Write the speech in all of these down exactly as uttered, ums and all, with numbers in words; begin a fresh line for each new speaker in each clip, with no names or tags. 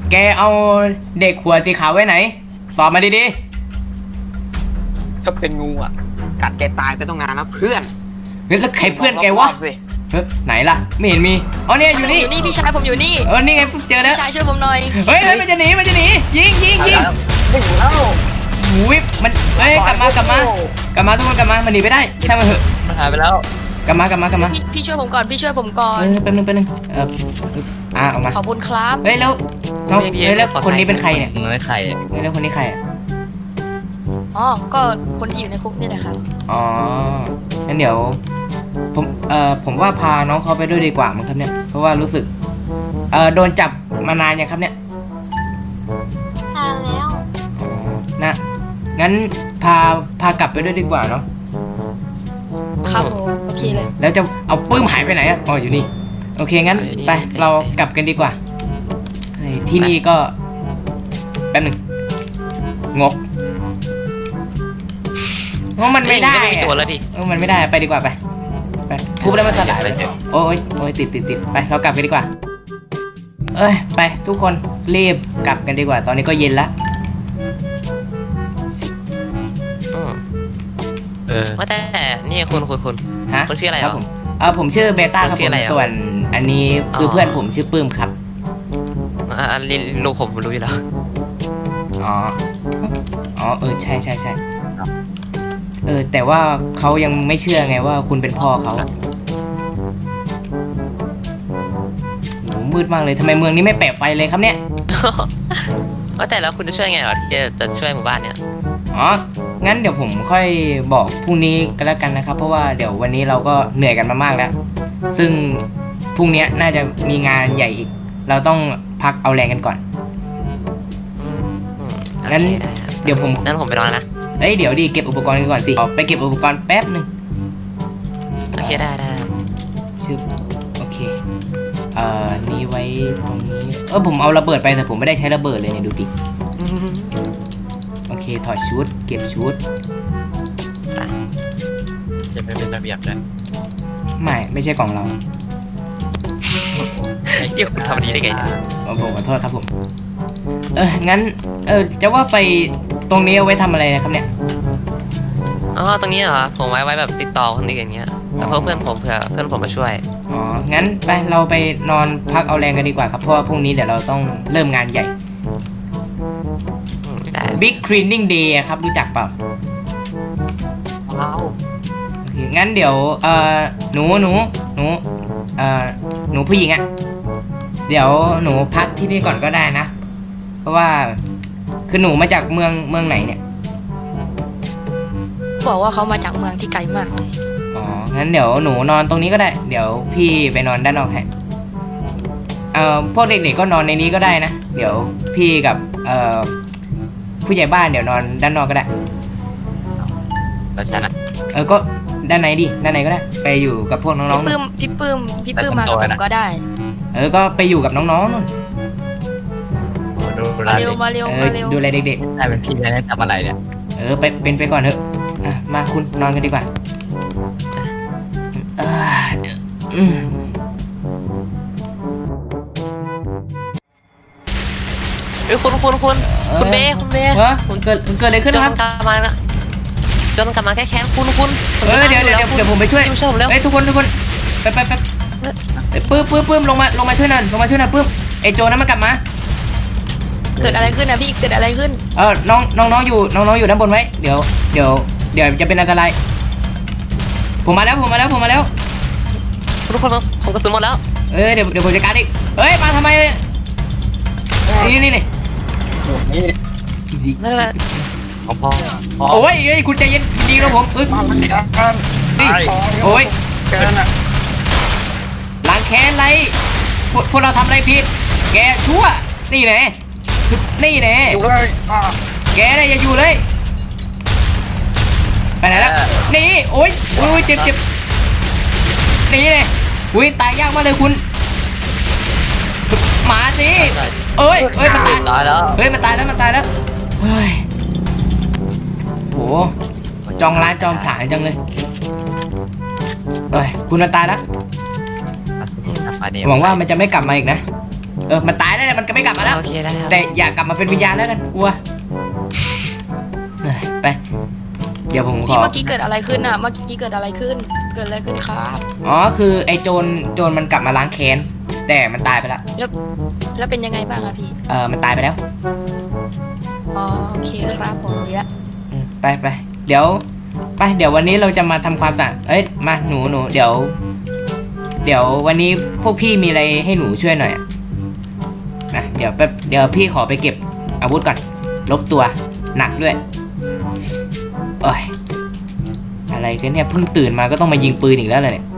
แกเอาเด็กหัวสีขาวไว้ไหนตอบมาดี
ๆถ้าเป็นงูอ่ะกัดแกตายไปต้องนานแล้วเพื่อน
เฮ้ยแล้วใครเพื่อนแกวะเฮ้ยไหนล่ะไม่เห็นมีอ๋อเนี่ยอยู่นี่
อยู่นี่พี่ชายผมอยู่นี่
เออนี่ไงเจอแล้ว
พี่ชายช่วยผมหน่อย
เฮ้ยมันจะหนีมันจะหนียิงยิงยิง
ไม่อยู่แล้ว
หูวิบมันเฮ้ยกลับมากลับมากลับมาทุกคนกลับมามันหนีไปได้ใช่ไหมเหอะ
มันหายไปแล้ว
กลับมากลับมากลับมา
พี่ช่วยผมก่อนพี่ช่วยผมก่อน
เออแป๊บนึงแป๊บนึงเอออ่ะออกมา
ขอบคุณครับ
เฮ้ยแล้วเฮ้ยแล้วคนนี้เป็นใครเนี่ย
ไม่ใคร
เฮ้ยแล้วคนนี้ใครอ่ะ
อ๋อก็คนที่อยู่ในคุกนี่แหละครับ
อ๋องั้นเดี๋ยวผมเอ่อผมว่าพาน้องเขาไปด้วยดีกว่ามั้งครับเนี่ยเพราะว่ารู้สึกเอ่อโดนจับมานานยังครับเนี่ย
นานแล้ว
อ๋อนะงั้นพาพากลับไปด้วยดีกว่าเนาะ
ครับผมโอเคเลย
แล้วจะเอาปื้มหายไปไหนอ่ะอ๋ออยู่นี่โอเคงั้นไปเรากลับกันดีกว่าที่นี่ก็แป๊บหนึ่งงกเพราะมันไม่ได้
ตัวแล้วดิ
เออมันไม่ได้ไปดีกว่าไปไปทุบแล้วมันสลายไปโอ้ยโอ้ยติดติดติดไปเรากลับกันดีกว่าเอ้ยไปทุกคนรีบกลับกันดีกว่าตอนนี้ก็เย็นละ
เออว่าแต่นี่คุณคุณคุณ
ฮะ
คุณชื่ออะไร
ครับผมเออผมชื่อเบต้าครับผมส่วนอันนี้คือเพื่อนผมชื่อปื้มครับ
อ่าลูกผมรู้อยู่แล้ว
อ๋ออ๋อเออใช่ใช่ใช่เออแต่ว่าเขายังไม่เชื่อไงว่าคุณเป็นพ่อเขาโหมืดมากเลยทำไมเมืองนี้ไม่แปะไฟเลยครับเนี่ย
ว่าแต่แล้วคุณจะช่วยไงเหรอที่จะช่วยหมู่บ้านเนี่ย
อ๋องั้นเดี๋ยวผมค่อยบอกพรุ่งนี้ก็แล้วกันนะครับเพราะว่าเดี๋ยววันนี้เราก็เหนื่อยกันมามากแล้วซึ่งพรุ่งนี้น่าจะมีงานใหญ่อีกเราต้องพักเอาแรงกันก่อนงั้นเดี๋ยวผม
งั้นผมไปนอนนะ
เอ้ยเดี๋ยวดิเก็บอุปกรณ์กันก่อนสิไปเก็บอุปกรณ์แป๊บหนึ่ง
โอเคได้ได้
ชึบโอเคเอ่อนี่ไว้ตรงนี้เออผมเอาระเบิดไปแต่ผมไม่ได้ใช้ระเบิดเลยเนี่ยดูดิโอเคถอดชุดเก็บชุด
จะไม่เป็นระเบียบเลย
ไม่ไม่ใช่กล่องเรา
ไอ้เกี่ยวคุณทำดีได้ไงเนี่ย
ผมขอโทษครับผมเอองั้นเออจะว่าไปตรงนี้เอาไว้ทำอะไรนะครับเนี่ย
อ๋อตรงนี้เหรอผมไว้ไว้แบบติดต่อคนอื่นอย่างเงี้ยแล้วเพื่อนผมเผื่อเพื่อนผมมาช่วย
อ๋องั้นไปเราไปนอนพักเอาแรงกันดีกว่าครับเพราะว่าพรุ่งนี้เดี๋ยวเราต้องเริ่มงานใหญ่ Big Cleaning Day ครับรู้จักเปล่า
ว้าว
โอเคงั้นเดี๋ยวเอ่อหนูหนูหนูเอ่อหนูผู้หญิงอ่ะเดี๋ยวหนูพักที่นี่ก่อนก็ได้นะเพราะว่าคือหนูมาจากเมืองเมืองไหนเนี่ย
บอกว่าเขามาจากเมืองที่ไกลมากเลย
อ๋องั้นเดี๋ยวหนูนอนตรงนี้ก็ได้เดี๋ยวพี่ไปนอนด้านนอกให้เอ่อพวกเด็กๆก็นอนในนี้ก็ได้นะเดี๋ยวพี่กับเอ่อผู้ใหญ่บ้านเดี๋ยวนอนด้านนอกก็ได้
แล้วฉันอ่ะ
เออก็ด้านไหนดิด้านไหนก็ได้ไปอยู่กับพวกน้องๆ
พี่ปื้มพี่ปื้มพี่ปื้มมากับผมก็ได้
เออก็ไปอยู่กับน้องๆนู่น
มาเร็วมาเร็วมาเร็ว
ดูแลเด็ก
ๆได้เป็นพี่ได้ทำอะไรเนี่ย
เออไปเป็นไปก่อนเถอะอ่ะมาคุณนอนกันดีกว่า
เฮ้ยคุณคุณคุณคุณเบ้คุณเบ้
ฮะเกิดเกิดอะไรขึ้นครับ
จนกลับมาจนกลับมาแค่แค้นคุณคุณ
เออเดี๋ยวเดี๋ยวเดี๋ยวผมไปช่วยเฮ้ยทุกคนทุกคนไปไปไปปื้มปื้มปื้มลงมาลงมาช่วยหน่อยลงมาช่วยหน่อยปื้มไอโจนั้นมันกลับมา
เกิดอะไรขึ้นนะพี่เกิดอะไรขึ้น
เออน้องน้องน้องอยู่น้องน้องอยู่ด้านบนไว้เดี๋ยวเดี๋ยวเดี๋ยวจะเป็นอันตรายผมมาแล้วผมมาแล้วผมมาแล้ว
ทุกคนผมกระสุนหมดแล้ว
เออเดี๋ยวเดี๋ยวผมจะการอีกเฮ้ยมาทำไมนี่นี่นี่
นั่นแหละ
โอ้ยเฮ้ยคุณใจเย็นดีนะผมเอ้ยนี่โอ้ยล้างแค้นอะไรพวกเราทำอะไรผิดแกชั่วนี่แน่นี่แน่แกอะไรอย่าอยู่เลยไปไหนแล้วนี่โอ้ยโอ้ยเจ็บเจ็บนี่เลยอุ้ยตายยากมากเลยคุณหมาสิเอ้ยเอ้ยมันตายแล้วเฮ้ยมันตายแล้วมันตายแล้วเฮ้ยโหจองร้านจองผลาญจังเลยเอ้ยคุณมันตายแล้วหวังว่ามันจะไม่กลับมาอีกนะเออมันตายแล้วแหละมันก็ไม่กลับมาแล้ว
โอเคได้ครับ
แต่อย่ากลับมาเป็นวิญญาณแล้วกันกลัวเฮ้ยไป เดี๋ยวผมข
พี่
อ
เมื่อกี้เกิดอะไรขึ้นอ่ะเมื่อกี้เกิดอะไรขึ้น เกิดอะไรขึ้นครับ
อ๋อคือไอ้โจรโจรมันกลับมาล้างแค้นแต่มันตายไปแล้ว
แล้วเป็นยังไงบ้างอะพี่
เออมันตายไปแล้ว
อ๋อโอเคครับผมดีละ
เออไปไปเดี๋ยวไปเดี๋ยววันนี้เราจะมาทำความสะอาดเอ้ยมาหนูหนูเดี๋ยว เดี๋ยววันนี้พวกพี่มีอะไรให้หนูช่วยหน่อยอะนะเดี๋ยวแป๊บเดี๋ยวพี่ขอไปเก็บอาวุธก่อนลบตัวหนักด้วยโอ้ยอะไรกันเนี่ยเพิ่งตื่นมาก็ต้องมายิงปืนอีกแล้วเลยเนี่ย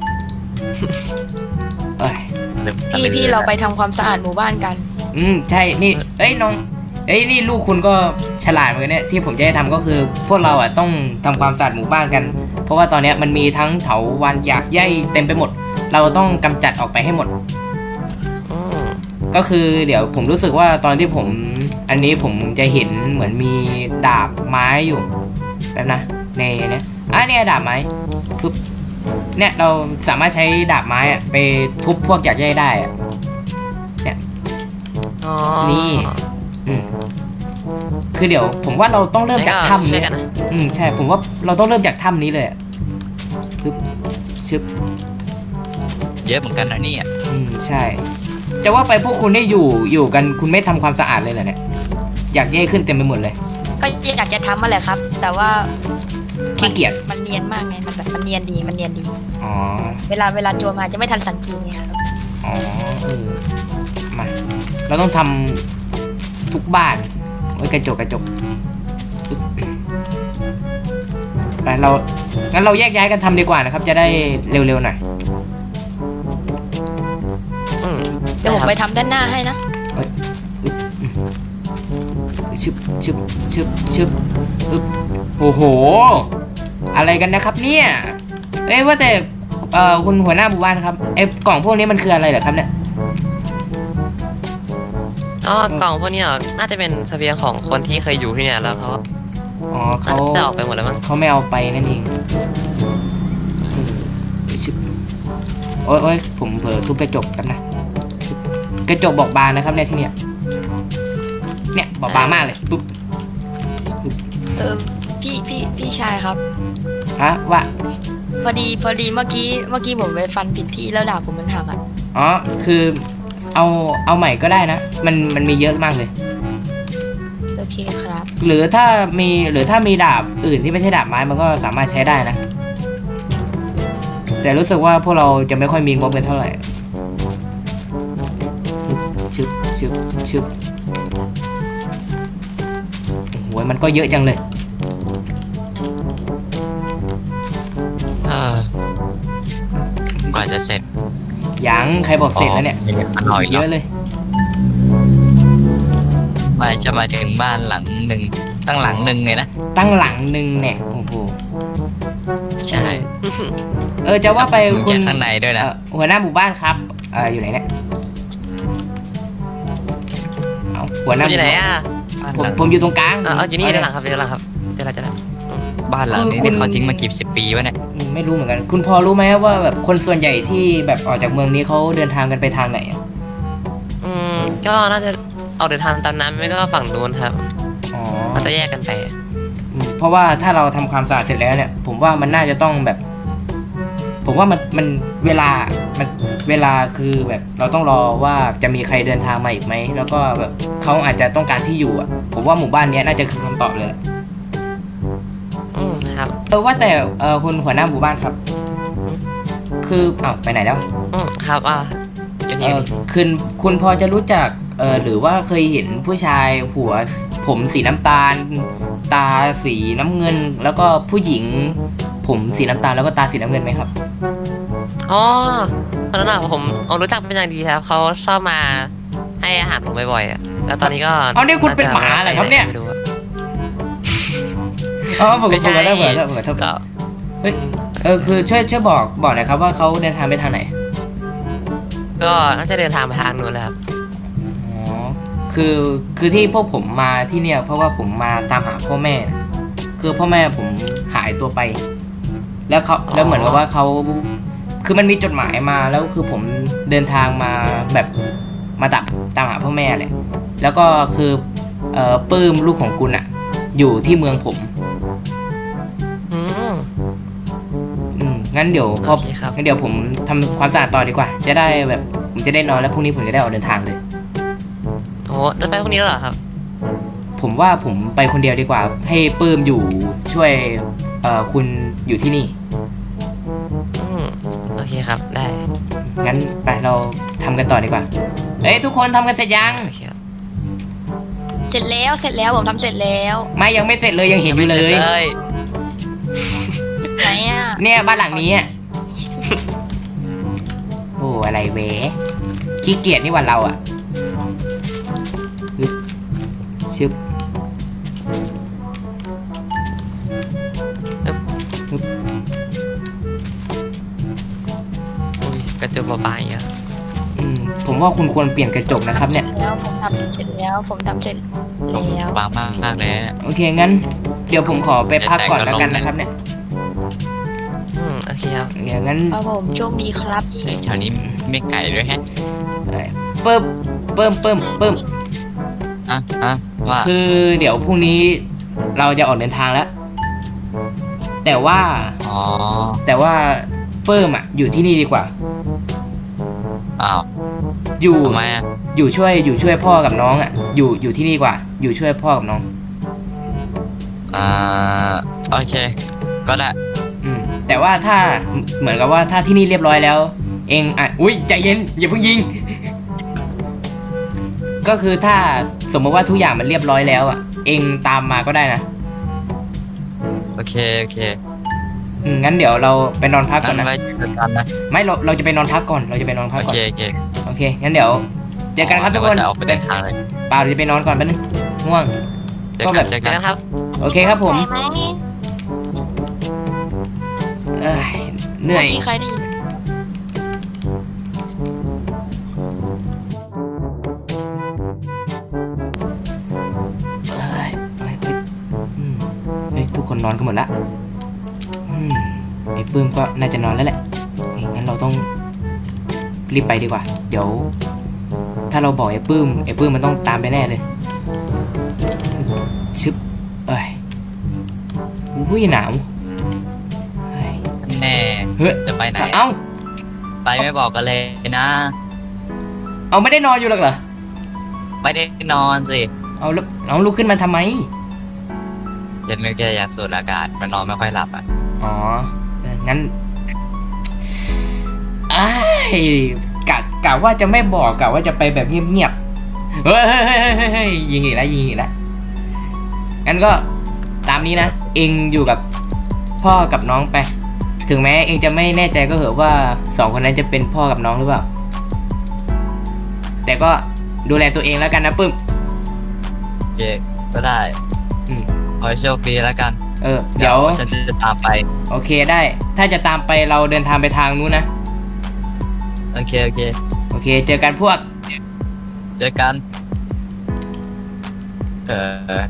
โอ้ย
พี่พี่เราไปทำความสะอาดหมู่บ้านกัน
อืมใช่นี่เอ้ยน้องเอ้ยนี่ลูกคุณก็ฉลาดเหมือนกันเนี่ยที่ผมจะให้ทำก็คือ พวกเราอ่ะต้องทำความสะอาดหมู่บ้านกัน เพราะว่าตอนเนี้ยมันมีทั้งเถาวัลย์หยากไย่เต็มไปหมด เราต้องกำจัดออกไปให้หมด
อืม
ก็คือเดี๋ยวผมรู้สึกว่าตอนที่ผมอันนี้ผมจะเห็นเหมือนมีดาบไม้อยู่แป๊บนะในเนี้ยอ่ะเนี่ยดาบไม้ฟึบเนี่ยเราสามารถใช้ดาบไม้อะไปทุบพวกหยากไย่ได้อะ
อ๋อ
นี่ อืมคือเดี๋ยวผมว่าเราต้องเริ่มจากถ้ำ
ช่ว
นี้
ยกันนะ
อืมใช่ผมว่าเราต้องเริ่มจากถ้ำนี้เลยอะปึ๊บชึบ
เยอะเหมือนกันนะเนี่ย
อืมใช่จะว่าไปพวกคุณได้อยู่อยู่กันคุณไม่ทำความสะอาดเลยเหรอเนี่ยอยากแย่ขึ้นเต็มไปหมดเลย
ก็อยากจะทำมาแหละครับ แต่ว่า
ขี้เกียจ
มันเนียนมากไงมันแบบมันเนียนดีมันเนียนดี
อ๋อ
เวลาเวลาโจรมาจะไม่ทันสังเกตไงครับ
อ๋อเออมาเราต้องทำทุกบ้านโอ้ยกระจกกระจกปึ๊บไปเรางั้นเราแยกย้ายกันทำดีกว่านะครับ จะได้เร็วๆหน่อย
อืม
เดี๋ยวผมไปทำด้านหน้าให้นะ
ชึบชึบชึบชึบอึ๊บโอ้โห อะไรกันนะครับเนี่ยเอ้ยว่าแต่เอ่อคุณหัวหน้าหมู่บ้านครับไอ้กล่องพวกนี้มันคืออะไรเหรอครับเนี่ย
อ๋อกล่องพวกนี้เหรอน่าจะเป็นเสบียงของคนที่เคยอยู่ที่เนี่ยแล้วเขา
อ๋อ
น่า
เขา
จะออกไปหมดแล้วมั้ง
เขาไม่เอาไปนั่นเองชึบโอ้ยโอ้ยผมเผลอทุบกระจกกันนะกระจกบอกบางนะครับเนี่ยที่เนี่ยเนี่ยบอกบางมากเลยปุ๊บ
เออพี่พี่พี่ชายครับ
ฮะว่า
พอดีพอดีเมื่อกี้เมื่อกี้ผมไปฟันผิดที่แล้วดาบผมมันหักอ่ะ
อ๋อคือเอาเอาใหม่ก็ได้นะ มันมันมีเยอะมากเลย
โอเคครับ
หรือถ้ามีหรือถ้ามีดาบอื่นที่ไม่ใช่ดาบไม้มันก็สามารถใช้ได้นะ แต่รู้สึกว่าพวกเราจะไม่ค่อยมีงบกันเท่าไหร่ชึบชึบชึบโอ้โหมันก็เยอะจังเลย
เออกว่าจะเสร็จ
ยังใครบอกเสร็จแล้วเนี่ย
อ๋ออร่อย
เย
เนาะ
อะเลย
มาจะมาถึงบ้านหลังหนึ่งตั้งหลังหนึ่งเลยนะ
ตั้งหลังหนึ่งเนี่ยโอ้โห
ใช่
เออจะว่าไป
มึง
คุณ
จากข้างในด้วยนะ
เอ่อหัวหน้าหมู่บ้านครับเอออยู่ไหนเนี่ยเอาหัวหน้า
คุณอยู่ไหนอ่ะ
บ้าน
ผม
หลัง
ผมอยู่ตรงกลาง
อ่ะเอาอยู่นี่
เา
ด้านห
เย
ลังครับด้านหลังครับเดี๋ยวเราจะได้
บ้านหลังนี้
คือคุณ
นี่เขาทิ้งมากี่สิบปีวะเนี่ย
อืมไม่รู้เหมือนกัน คุณพอรู้ไหมว่าแบบคนส่วนใหญ่ที่แบบออกจากเมืองนี้เขาเดินทางกันไปทางไหนอะ
อืมก็น่าจะออกเดินทางตามน้ำไม่ก็ฝั่งนู้นครับ
อ๋อ
เราจะแยกกันไป
อืมเพราะว่าถ้าเราทำความสะอาดเสร็จแล้วเนี่ย ผมว่ามันน่าจะต้องแบบ ผมว่ามันมันเวลามันเวลาคือแบบเราต้องรอว่าจะมีใครเดินทางมาอีกไหมแล้วก็แบบเขาอาจจะต้องการที่อยู่อ่ะ ผมว่าหมู่บ้านเนี้ยน่าจะคือคำตอบเลย
อืมครับ
เออว่าแต่เออคุณหัวหน้าหมู่บ้านครับ คืออ้าวไปไหนแล้ว
อืมครับอ่ะอยู่
เอ
นี่อยู่
อ
นี่
คุณคุณพอจะรู้จักเออหรือว่าเคยเห็นผู้ชายหัวผมสีน้ำตาล ตาสีน้ำเงิน แล้วก็ผู้หญิง ผมสีน้ำตาลแล้วก็ตาสีน้ำเงินไหมครับ
อ๋อตอนนั้นอะผมเอารู้จักเป็นอย่างดีครับเขาชอบมาให้อาหารผมบ่อยๆอ่ะแล้วตอนนี้ก็
เอานี่คุณเป็นหมาเหรอครับเนี่ย
ไม่รู้อะ
อ๋อผม
ไม่
ผม
ใช่
ก็ได้เผื่อเผื่อเผื่อ
ก็
เออคือช่วยช่วยบอกบอกหน่อยครับว่าเขาเดินทางไปทางไหน
ก็น่าจะเดินทางไปทางนู้นเลยครับ
อ๋อคือคือที่พวกผมมาที่เนี่ย เพราะว่าผมมาตามหาพ่อแม่ คือพ่อแม่ผมหายตัวไป แล้วเขาแล้วเหมือนกับว่าเขาคือมันมีจดหมายมาแล้วคือผมเดินทางมาแบบมาตามตามหาพ่อแม่แหละแล้วก็คือเอ่อปื้มลูกของคุณอะอยู่ที่เมืองผม
อืม
อืมงั้นเดี๋ยวพอ
โอเคครับ
งั้นเดี๋ยวผมทำความสะอาดต่อดีกว่า จะได้แบบผมจะได้นอนแล้วพรุ่งนี้ผมจะได้ออกเดินทางเลย
โอ้จะไปพรุ่งนี้แล้วเหรอครับ
ผมว่าผมไปคนเดียวดีกว่า ให้ปื้มอยู่ช่วยเอ่อคุณอยู่ที่นี่
อืมโอเคครับได้
งั้นไปเราทำกันต่อดีกว่าเอ้ยทุกคนทำกันเสร็จยัง
โอเคครับ
เสร็จแล้วเสร็จแล้วผมทำเสร็จแล้ว
ไม่ยังไม่เสร็จเลยยังเห็นอยู่เลย
งไม่สร็จ
ไหนอ่ะ
เนี่ยบ้านหลังนี้อะโอ้อะไรเวขี้เกียจนี่หว่าเราอ่ะฮึบชึบ
อุ้ยกระจกบางๆอย่างเงี้ย
อืมผมว่าคุณควรเปลี่ยนกระจกนะครับเนี่ย
แล้วผมทำเสร็จแล้วผมทำเสร็จแล้ว
บางมากมากเลยเนี่ย
โอเคงั้น เดี๋ยวผมขอไปพักก่อนแล้วกันนะครับเนี่ย
อืมโอเคครับ
โอเคงั้น
ครับผมโชคดีครับพี่
เฮ้ยแถวนี้ไม่ไก่ด้วยแฮะ
เอ่อเพิ่มเพิ่มเพิ่มเพิ่ม
อ่ะอ่ะว่า
คือเดี๋ยวพรุ่งนี้เราจะออกเดินทางแล้ว แต่ว่า
อ๋อ
แต่ว่าเพิ่มอ่ะอยู่ที่นี่ดีกว่า
อ้าว
อยู่
ทำไมอ่ะ
อยู่ช่วยอยู่ช่วยพ่อกับน้องอ่ะอยู่อยู่ที่นี่ดีกว่า อยู่ช่วยพ่อกับน้อง
อ่าโอเค ก็ได้
อืมแต่ว่าถ้าเหมือนกับว่าถ้าที่นี่เรียบร้อยแล้ว เองอ่ะอุ้ยใจเย็นอย่าเพิ่งยิง ก็คือถ้าสมมติว่าทุกอย่างมันเรียบร้อยแล้วอ่ะ เองตามมาก็ได้นะ
โอเคโอเค
อืมงั้นเดี๋ยวเราไปนอนพักก่อน
งั้น
นะ
ไว้เจอกันนะ
ไม่เราเราจะไปนอนพักก่อนเราจะไปนอนพัก
โอ
ก่อน
เคโอเค
โอเคงั้นเดี๋ยวเจอกันครับทุกคน
เดี๋ยวว่าจะออกไปเดินทางเลย
เปล่าเดี๋ยวจะไปนอนก่อนแป๊บนึงง่วง
เจอ
ก็
กั
แบ
น
บ
เจอ
เจ
กั
อน กันครับ
โอเคครับผมเอ้ยเหนื่อย
เมื่อกี้ใครได้ยิน
เอ้ยเอ้ยเอ้ยอืมเฮ้ยทุกคนนอนกันหมดละอืมไอ้ปื้มก็น่าจะนอนแล้วแหละเฮ้ยงั้นเราต้องรีบไปดีกว่า เดี๋ยว ถ้าเราบอกไอ้ปื้มไอ้ปื้มมันต้องตามไปแน่เลยชึบเอ้ยอุ้ยหนาวเฮ้ย
แน่
เฮ้ย
จะไปไหน
เอ้า
ไปไม่บอกกันเลยนะ
เอาไม่ได้นอนอยู่หรอกเหรอ
ไม่ได้นอนสิ
เอาแล้วเอาลุกขึ้นมาทำไม
ยันนึกแค่อยากสูดอากาศมันนอนไม่ค่อยหลับอ่ะ
อ๋อเอองั้นอ้ายกะกะว่าจะไม่บอกกะว่าจะไปแบบเงียบๆ เฮ้ยเฮ้ยเฮ้ยเฮ้ยเฮ้ยยิงอีกแล้วยิงอีกแล้ว งั้นก็ตามนี้นะ เองอยู่กับพ่อกับน้องไป ถึงแม้เองจะไม่แน่ใจก็เหอะว่าสองคนนั้นจะเป็นพ่อกับน้องหรือเปล่า แต่ก็ดูแลตัวเองแล้วกันนะปึ้ม
โอเคก็ได้
อืม
ขอให้โชคดีแล้วกัน
เออ เดี๋ยว
ฉันจะตามไป
โอเคได้ ถ้าจะตามไปเราเดินทางไปทางนู้นนะ
โอเคโอเค
โอเค เจอกันพวก
เจอกัน เออ